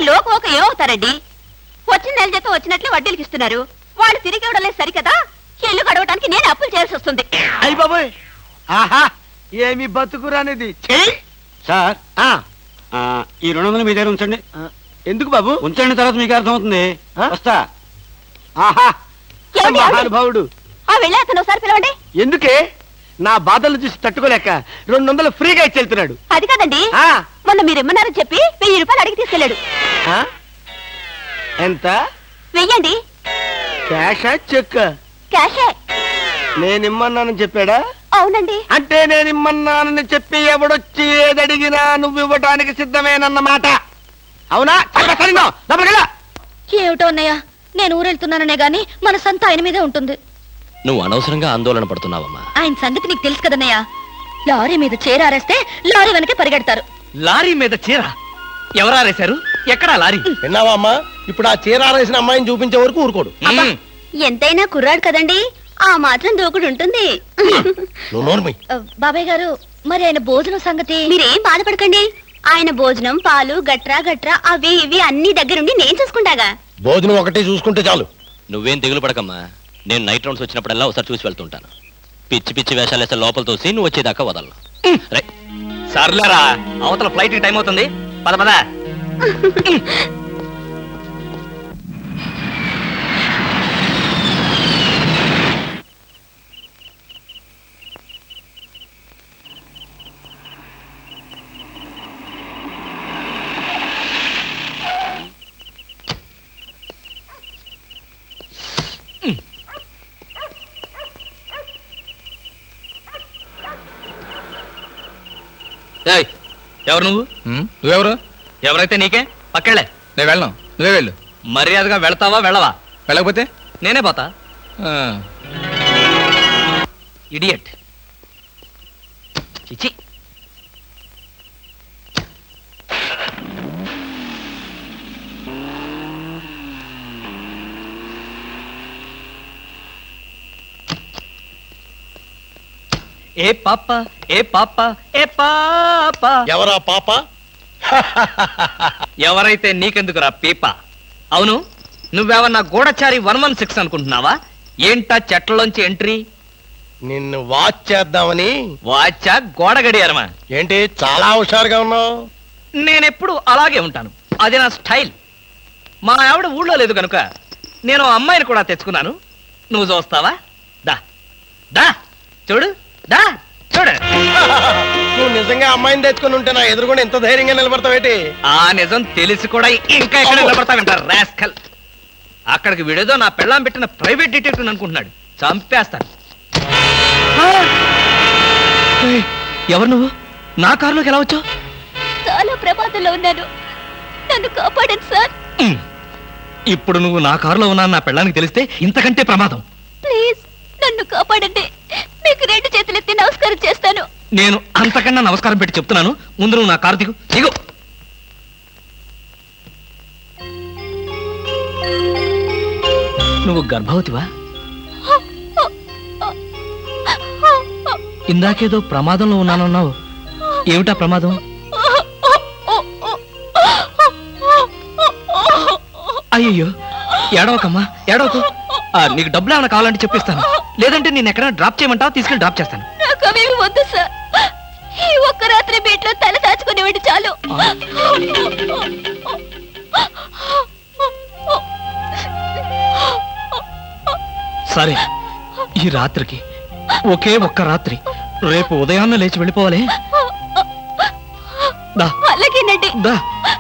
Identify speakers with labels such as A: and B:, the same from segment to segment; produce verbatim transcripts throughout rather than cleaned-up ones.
A: లోకం ఒక ఏమవుతారండి? వచ్చిన నెల జీతం వచ్చినట్లు వడ్డీలకి ఇస్తున్నారు. వాళ్ళు తిరిగి ఇవ్వడం లేదు సరికదా, ఇల్లు గడవటానికి నేను అప్పులు చేయాల్సి వస్తుంది.
B: అయ్యి బాబోయ్, ఆహా ఏమి బతుకురానిది.
C: సార్ ఈ రెండు వందలు మీ దగ్గర ఉంచండి.
B: ఎందుకు బాబు?
C: ఉంచండి, తర్వాత మీకు అర్థమవుతుంది. వస్తా.
B: ఆహా మహానుభావుడు.
A: ఆ వెళ్ళి అతను ఒకసారి పిలవండి.
B: ఎందుకే? నా బాధలు చూసి తట్టుకోలేక రెండు వందలు ఫ్రీగా ఇచ్చి వెళ్తున్నాడు.
A: అది కాదండి, మొన్న మీరు ఇమ్మన్నారని చెప్పి వెయ్యి రూపాయలు అడిగి తీసుకెళ్ళాడు.
B: ఎంత?
A: వెయ్యండి.
B: క్యాషా చెక్?
A: క్యాషే.
B: నేనిమ్మన్నానని చెప్పాడా?
A: అవునండి.
B: అంటే నేనిమ్మన్నానని చెప్పి ఎవడొచ్చి ఏదడిగినా నువ్వు ఇవ్వటానికి సిద్ధమేనన్నమాట. అవునా?
A: ఏమిటో అన్నయ్య, నేను ఊరెళ్తున్నాననే గాని మన సంత ఆయన మీదే ఉంటుంది.
D: నువ్వు అనవసరంగా ఆందోళన పడుతున్నావమ్మా.
A: ఆయన సంగతి నీకు తెలుసు కదన్నయ్య. లారీ మీద చీరారేస్తే లారీ వెనకే పరిగెడతారు.
E: లారీ మీద చీర ఎవరారేశారు? ఎక్కడా లారీ?
B: విన్నావా అమ్మా? ఇప్పుడు ఆ చీర ఆరేసిన అమ్మాయిని చూపించే వరకు ఊరుకోడు.
A: ఎంతైనా కుర్రాడు కదండి, ఆ మాత్రం దూకుడు ఉంటుంది. బాబాయ్ గారు, మరి ఆయన భోజనం సంగతి? మీరేం బాధపడకండి, ఆయన భోజనం పాలు గట్రా గట్రా అవి ఇవి అన్ని దగ్గరుండి నేను చూసుకుంటాగా.
B: భోజనం ఒకటే చూసుకుంటే చాలు.
D: నువ్వేం దిగులు పడకమ్మా. నేను నైట్ రౌండ్స్ వచ్చినప్పుడల్లా ఒకసారి చూసి వెళ్తుంటాను. పిచ్చి పిచ్చి వేషాలు వేస్తే లోపల తోసి నువ్వు వచ్చేదాకా వదలను.
E: సర్లేరా, అవతల ఫ్లైట్ టైం అవుతుంది. పద పద. ఎవరు నువ్వు?
F: నువ్వెవరు?
E: ఎవరైతే నీకే, పక్కెళ్ళే.
F: నేను వెళ్ళను, నువ్వే వెళ్ళు.
E: మర్యాదగా వెళ్తావా వెళ్ళవా?
F: వెళ్ళకపోతే
E: నేనే పోతా. ఇడియట్. చిచి. ఏ పాప ఏ పాప ఏ పాప.
B: ఎవరా పాప?
E: ఎవరైతే నీకెందుకురా పీప. అవును, నువ్వేమన్నా గూఢచారి వన్ వన్ సిక్స్ అనుకుంటున్నావా? ఏంటా చెట్లలోంచి ఎంట్రీ?
B: నిన్ను వాచ్ చేద్దామని.
E: వాచా గోడ గడియారమా?
B: ఏంటి చాలా హుషారుగా ఉన్నావు?
E: నేనెప్పుడు అలాగే ఉంటాను, అది నా స్టైల్. మా ఆవిడ ఊళ్ళో లేదు కనుక నేను అమ్మాయిని కూడా తెచ్చుకున్నాను. నువ్వు చూస్తావా? దా దా చూడు, దా చూడు.
B: నువ్వు నిజంగా అమ్మాయిని తెచ్చుకుని ఉంటే నా ఎదురుగుండా ఎంత ధైర్యంగా నిలబడతావేటి?
E: ఆ నిజం తెలిసి కూడా ఇంకా ఎక్కడ నిలబడతావంటారు రాస్కల్. అక్కడికి విడేదో నా పెళ్ళాం పెట్టిన ప్రైవేట్ డిటెక్టివ్ అనుకుంటున్నాడు. చంపేస్తాను. ఎవరు నువ్వు? నా కారులోకి ఎలా వచ్చావు?
A: చాలా ప్రమాదంలో ఉన్నాను, నన్ను కాపాడండి సార్.
E: ఇప్పుడు నువ్వు నా కారులో ఉన్నా నా పెళ్ళానికి తెలిస్తే ఇంతకంటే ప్రమాదం.
A: ప్లీజ్ నన్ను కాపాడండి, మీకు రెండు చేతులెత్తి నమస్కారం చేస్తాను.
E: నేను అంతకన్నా నమస్కారం పెట్టి చెప్తున్నాను, ముందు నువ్వు నా కారు దిగు. దిగు. నువ్వు గర్భవతివా? ఇందాకేదో ప్రమాదంలో ఉన్నానన్నావు, ఏమిటా ప్రమాదం? అయ్యయ్యో, ఏడవకమ్మా, ఏడవకు. నీకు డబ్బులు ఏమైనా కావాలంటే చెప్పిస్తాను, లేదంటే నేను ఎక్కడైనా డ్రాప్ చేయమంటావా? తీసుకెళ్ళి డ్రాప్ చేస్తాను.
A: నాకు అవేమి వద్దు సార్, ఈ ఒక్క రాత్రి బీట్లో తల దాచుకునేవాడి చాలు.
E: సరే, ఈ రాత్రికి ఒకే ఒక్క రాత్రి, రేపు ఉదయాన్నే లేచి వెళ్ళిపోవాలి.
A: అలాగేనండి.
E: దా.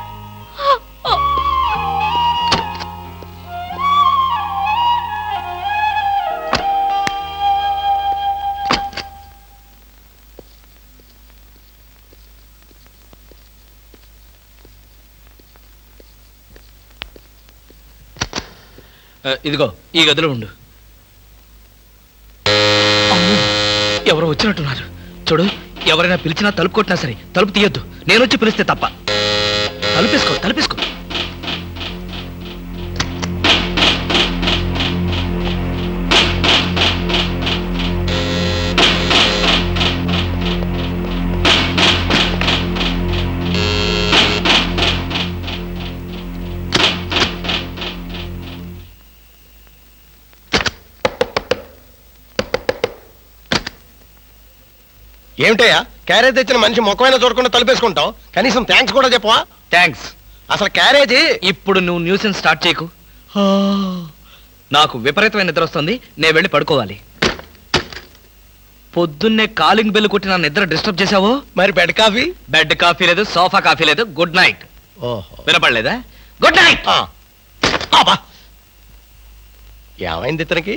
E: ఇదిగో ఈ గదిలో ఉండు. ఎవరో వచ్చినట్టున్నారు చూడు. ఎవరైనా పిలిచినా తలుపు కొట్టినా సరే తలుపు తీయొద్దు, నేను వచ్చి పిలిస్తే తప్ప. తలుపేసుకో, తలుపేసుకో.
G: ఏమిటయ్యా క్యారేజ్ తెచ్చిన మనిషి ముఖమైనా చూడకుండా తలుపేసుకుంటావు, కనీసం థ్యాంక్స్ కూడా చెప్పవా?
E: థ్యాంక్స్.
G: అసలు క్యారేజీ
E: ఇప్పుడు నువ్వు న్యూసెన్స్ స్టార్ట్ చేయకు. ఆ, నాకు విపరీతమైన నిద్ర వస్తుంది, నేను వెళ్ళి పడుకోవాలి. పొద్దున్నే కాలింగ్ బెల్ కొట్టి నా నిద్ర డిస్టర్బ్ చేశావో.
G: మరి బెడ్ కాఫీ?
E: బెడ్ కాఫీ లేదు, సోఫా కాఫీ లేదు. Good night.
G: ఓహో,
E: వినపడలేదా? Good night.
G: ఆ. అబ్బా, ఏమైంది ఇతనికి?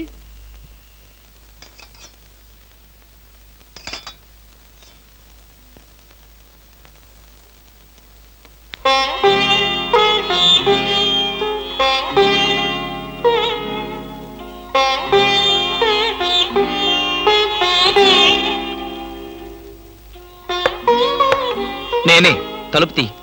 E: నేనే. తలుపు తీ.